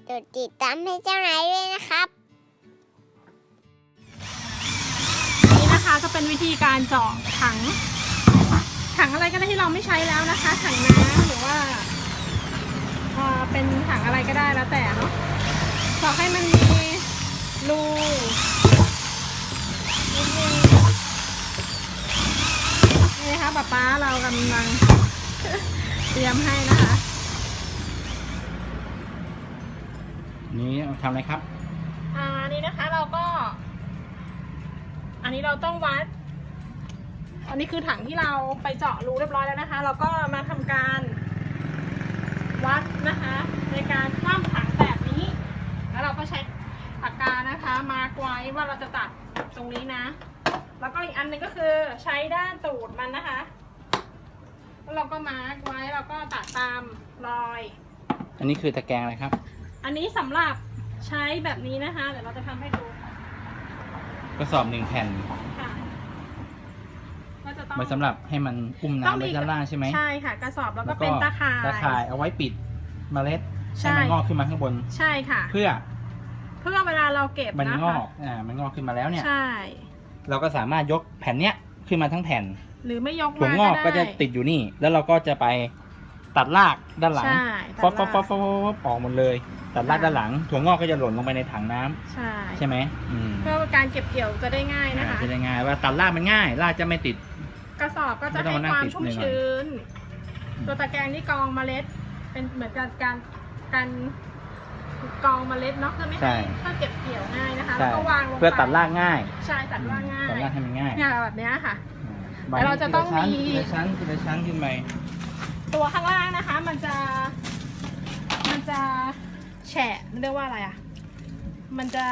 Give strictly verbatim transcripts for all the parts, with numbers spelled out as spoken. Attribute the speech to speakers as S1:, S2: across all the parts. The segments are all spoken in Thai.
S1: กดติดตามให้เจ้านายด้วยนะครับ
S2: นี่นะคะก็เป็นวิธีการเจาะถังถังอะไรก็ได้ที่เราไม่ใช้แล้วนะคะถังน้ำหรือว่าเออเป็นถังอะไรก็ได้แล้วแต่เนาะเจาะให้มันมีรูนี่นะคะป๊าป๊าเรากำลังเตรียมให้นะคะ
S3: นี่ทำอะไรครับ
S2: อ่านี่นะคะเราก็อันนี้เราต้องวัดอันนี้คือถังที่เราไปเจาะรูเรียบร้อยแล้วนะคะเราก็มาทำการวัดนะคะในการคว่ำถังแบบนี้แล้วเราก็ใช้ปากกานะคะมาร์กไว้ว่าเราจะตัดตรงนี้นะแล้วก็อีกอันนึงก็คือใช้ด้านตูดมันนะคะแล้วเราก็มาร์กไว้เราก็ตัดตามรอย
S3: อันนี้คือตะแกรงอะไรครับ
S2: อันนี้สำหรับใช้แบบนี้นะคะเดี๋ยวเราจะทำให้ดู
S3: กระสอบหนึ่งแผ่น
S2: ค่ะก็จะต้อง
S3: ไว้สำหรับให้มันอุ้มน้ำไว้ด้านล่างใช่ไหม
S2: ใช่ค่ะกระสอบแล้วก็เป็นตะข่าย
S3: ตะข่ายเอาไว้ปิดเมล็ดให้มันงอกขึ้นมาข้างบน
S2: ใช่ค่ะ
S3: เพื่อ
S2: เพื่อเวลาเราเก็บ
S3: มันงอกอ่ามันงอกขึ้นมาแล้วเนี่ย
S2: ใช่
S3: เราก็สามารถยกแผ่นเนี้ยขึ้นมาทั้งแผ่น
S2: หรือไม่ยก
S3: ถั่วงอกก็จะติดอยู่นี่แล้วเราก็จะไปตัดรากด้านหลังฟอสฟอสฟอสฟอสออกหมดเลยตัดรากด้านหลังถั่วงอกก็จะหล่นลงไปในถังน้ำใช่ใช่ไหม
S2: เพื่อการเก็บเกี่ยวจะได้ง่ายนะคะ
S3: จะได้ง่ายว่าตัดรากมันง่ายรากจะไม่ติด
S2: กระสอบก็จะให้ความชุ่มชื้นตัวตะแกรงนี่กรองเมล็ดเป็นเหมือนกับการการกรองเมล็ดเนาะเพื่อไม่ให้เพื่อเก็บเกี่ยวง่ายนะคะแล้วก็วางลงไป
S3: เพื่อตัดรากง่าย
S2: ใช่ตัดรากง่าย
S3: ตัดรากให้มันง่าย
S2: เนี่ยแบบนี้ค่ะแต่เราจะต้องมี
S3: ทีละชั้นทีละชั้นขึ้นไป
S2: ตัวข้างล่างนะคะมันจะมันจะแฉะเรียกว่าอะไรอ่ะมันจะ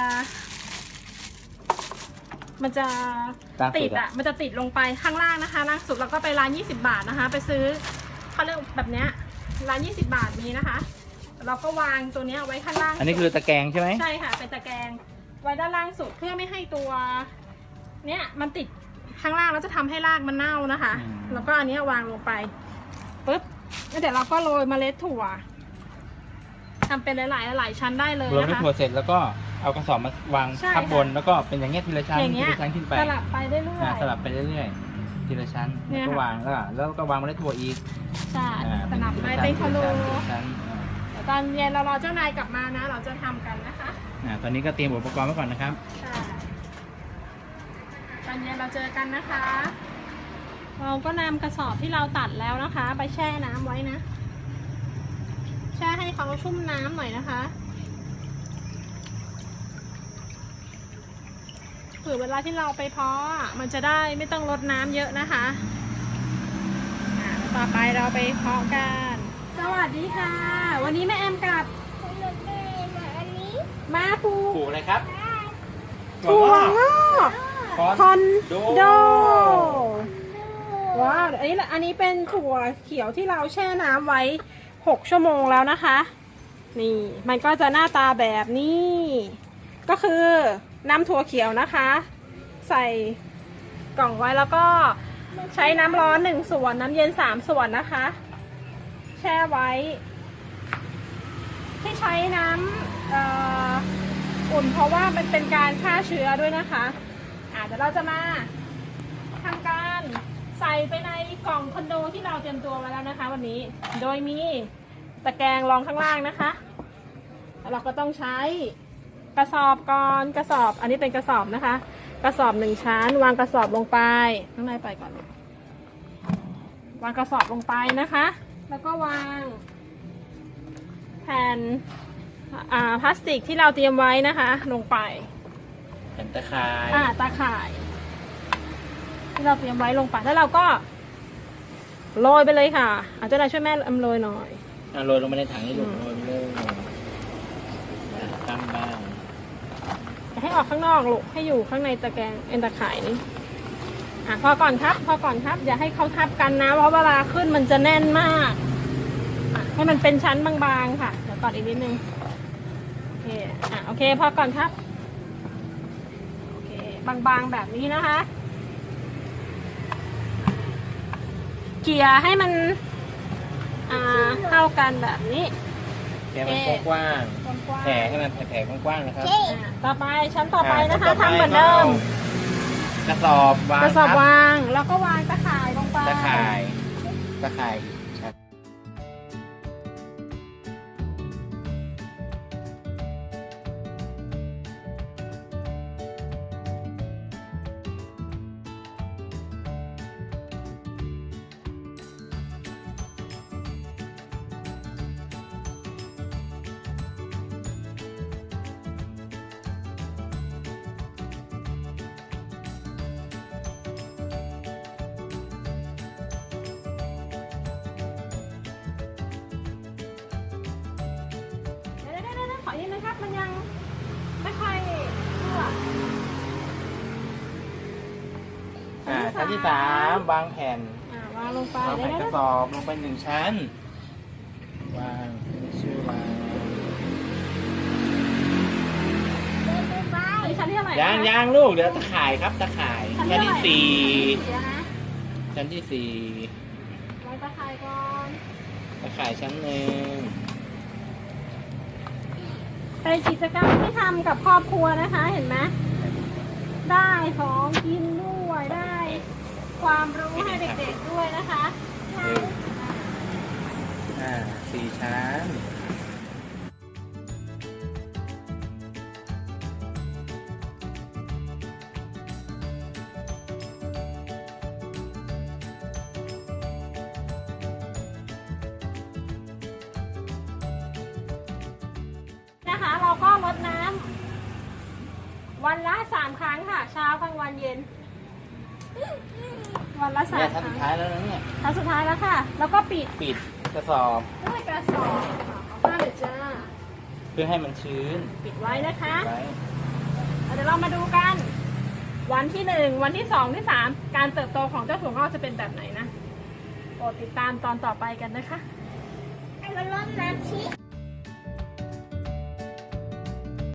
S2: มันจะติดอ่ะมันจะติดลงไปข้างล่างนะคะล่างสุดแล้วก็ไปร้านยี่สิบบาทนะคะไปซื้อเขาเรียกแบบเนี้ยร้านยี่สิบบาทมีนะคะเราก็วางตัวนี้ไว้ข้างล่าง
S3: อันนี้คือตะแกรงใช่ไหม
S2: ใช่ค่ะเป็นตะแกรงไว้ด้านล่างสุดเพื่อไม่ให้ตัวเนี้ยมันติดข้างล่างแล้วจะทำให้รากมันเน่านะคะแล้วก็อันนี้วางลงไปปุ๊บแล้วเดี๋ยวเราก็โรยเมล็ดถั่วทำเป็นหลายๆหลายชั้นได้เลยนะคะ
S3: โรยเมล็ดถั่วเสร็จแล้วก็เอากระสอบมาวางทับบนแล้วก็เป็นอย่างเงี้ยทีละชั้นทีละชั้นขึ้นไป
S2: สลับไปเรื่อย
S3: ๆสลับไปเรื่อยๆทีละชั้นแล้วก็วางแล้วแล้วก็วางเมล็ดถั่วอีก
S2: ใช่สลับไปเป็นคอโลตอนเย็นเรารอเจ้านายกลับมานะเราจะทำกันนะคะ
S3: อ่าตอนนี้ก็เตรียมอุปกรณ์ไว้ก่อนนะครับ
S2: ใช่ตอนเย็นเราเจอกันนะคะเราก็นำกระสอบที่เราตัดแล้วนะคะไปแช่น้ำไว้นะแช่ให้เขาชุ่มน้ำหน่อยนะคะเผื่อเวลาที่เราไปเพาะมันจะได้ไม่ต้องรดน้ำเยอะนะคะอ่าต่อไปเราไปเพาะกันสวัสดีค่ะวันนี้แม่แอมกับมาปลูก
S3: ปลูกอะไรครับ
S2: ถั่วงอกคอนโดว้าวอันนี้อันนี้เป็นถั่วเขียวที่เราแช่น้ำไว้หกชั่วโมงแล้วนะคะนี่มันก็จะหน้าตาแบบนี้ก็คือน้ำถั่วเขียวนะคะใส่กล่องไว้แล้วก็ใช้น้ำร้อนหนึ่งส่วนน้ำเย็นสามส่วนนะคะแช่ไว้ที่ใช้น้ำอุ่นเพราะว่ามันเป็นการฆ่าเชื้อด้วยนะคะอ่ะเดี๋ยวเราจะมาทำการใส่ไปในกล่องคอนโดที่เราเตรียมตัวไว้แล้วนะคะวันนี้โดยมีตะแกรงรองข้างล่างนะคะแล้วเราก็ต้องใช้กระสอบก่อนกระสอบอันนี้เป็นกระสอบนะคะกระสอบหนึ่งชั้นวางกระสอบลงไปข้างในไปก่อนวางกระสอบลงไปนะคะแล้วก็วางแผ่นพลาสติกที่เราเตรียมไว้นะคะลงไป
S3: แผ่นตะข่าย
S2: อ่าตะข่ายที่เราเตรียมไว้ลงไปแล้วเราก็โรยไปเลยค่ะอาจจะได้ช่วยแม่อำโรยหน่อย
S3: อ่าโรยลงไปในถังนี่ลูกโรยเลยตั้งบ้าง
S2: ให้ออกข้างนอกลูกให้อยู่ข้างในตะแกรงเอ็นตะข่ายนี้อ่ะพอก่อนครับพอก่อนครับอย่าให้เขาทับกันนะเพราะเวลาขึ้นมันจะแน่นมากให้มันเป็นชั้นบางๆค่ะเดี๋ยวก่อนอีกนิดนึงโอเคอ่ะโอเคพอก่อนครับโอเคบางๆแบบนี้นะคะเกลี่ยให้มันอ่าเข้ากันแบบนี้
S3: แกมันกว้าง
S2: กว้าง
S3: ๆแผ่ให้มันแผ่ๆกว้างๆนะครับ
S1: เจ๊
S2: อ่าต่อไปชั้นต่อไปนะคะ
S3: อ่า
S2: ทำเหมือนเดิม
S3: กระสอบวาง
S2: กระสอบ
S3: ครับ
S2: วางแล้วก็วางตะข่ายลงไป
S3: ตะข่ายตะข่ายครับ
S2: เดี๋ยวเดี๋ยวเดี๋ยวขอนิดนึงครับมันยังไม่ค่อยทั่ว
S3: อ่าชั้นที่สามวางแผ่น
S2: อ่าวางลงไป
S3: วาง
S2: เดี๋ยว
S3: แผ่น
S2: เดี๋ยว
S3: กระสอบลงไปหนึ่งชั้น วางชื่อวาง
S1: เดินไปไป
S2: อันนี้ชั้นที่เท่าไหร่
S3: ยาง
S2: นะคะ
S3: ยางลูกเดี๋ยวตะข่ายครับตะข่าย
S2: ชั้น
S3: ชั้น
S2: ที่
S3: ที่สี่
S2: เดี๋ยวนะ
S3: ชั้นที่สี่
S2: วางตะข่ายก่อน
S3: ตะข่ายชั้นหนึ่ง
S2: เป็นกิจกรรมที่ทำกับครอบครัวนะคะ เห็นไหมได้ของกินด้วยได้ความรู้ให้เด็กๆด้วยนะคะ
S3: เอออ่าสี่ชั้น
S2: นะคะเราก็รดน้ำวันละสามครั้งค่ะ เช้ากลางวันเย็น วันละสา
S3: เนี่
S2: ม
S3: ย
S2: ค
S3: ชั้น
S2: รั้
S3: สุ
S2: ง
S3: ดท้ายแล้วนะเนี่ย
S2: ครั้งสุดท้ายแล้วค่ะ แล้วก็ปิด
S3: ปิดกระสอบ
S2: ด้วยกระสอบเอาผ้าเลยจ้า
S3: เพื่อให้มันชื้น
S2: ปิดไว้นะคะ
S3: ไว้
S2: เดี๋ยวเรามาดูกัน วันที่หนึ่งวันที่สองที่สามการเติบโตของเจ้าถั่วงอกจะเป็นแบบไหนนะโปรดติดตามตอนต่อไปกันนะคะ
S1: ให้มันรดน้ำชี้